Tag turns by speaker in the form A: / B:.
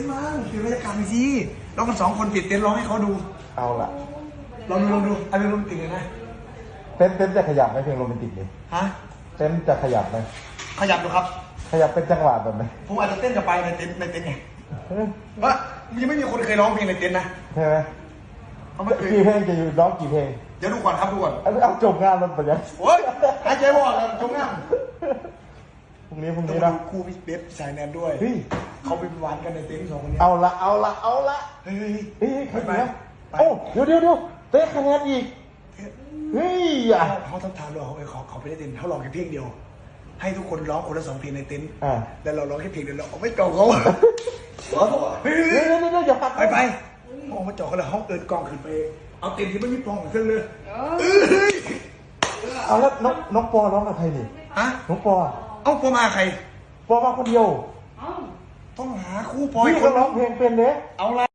A: มั่งเปลี่ยนบรรยากาศหน่อยสิเรากัน2 คนปิดเต็นท์ร้องให้เขาดู
B: เอาละ
A: ลองดูเอาเป็นโรแมนติกเลยนะ
B: เต้นจะขยับไหมเพลงโรแมนติกเลย
A: ฮะ
B: เต้นจะขยับไหม
A: ขยับดูครับ
B: ขยับเป็นจังหวะแบบไหน
A: ผมอาจจะเต้นกับไปในเต็นท์ไงว่ายังไม่มีคนเคยร้องเพลงในเต็นท์นะ
B: ใช่ไหม
A: เขาไม่เคย
B: กี่เพลงจะอยู่ร้องกี่เพลง
A: เดี๋ยวดูก่อนครับดูก่อน
B: เอาจบงานมันไปยัง
A: โอ๊ยหายใจไม่ออกเลยจงง่าง
B: พรุ่งนี้
A: ต้อง
B: นะ
A: ดูคู่พี่เบสสายแนนด้วย
B: เฮ้ย
A: เขาไปหวานกันในเต็นท์2 คนนี้
B: เอาละ
A: เฮ้ย
B: เฮ้ยใครเนี่ยโอ้เดี๋ยวเต้นคะแนนอีกเฮ้ยอ่ะ
A: เขาต้องถามเราเขาไปได้เต็นท์เขาร้องแค่เพลงเดียว ให้ทุกคนร้องคนละ2 เพลงในเต็นท์แล้วเราร้องแค่เพลงเดียวเราไม่เก่าเขาเฮ้ย
B: เดี๋ยวอย่าปัด
A: ไปมองมาจ่อเขาเลยห้องเอินกองขึ้นไปเอาเต็นท์ที่ไม่มีปล่องเครื่องเลย
B: เอาแล้วน้องปอร้องกับใครนี่
A: ฮะ
B: น้องปอ
A: เอ้าพอมาใคร
B: ปอมาคนเดียว
A: ต้องหาคู่ปอย
B: พี่
A: ค
B: ก็
A: น
B: ร้องเพลงเป็นเด้
A: เอาละ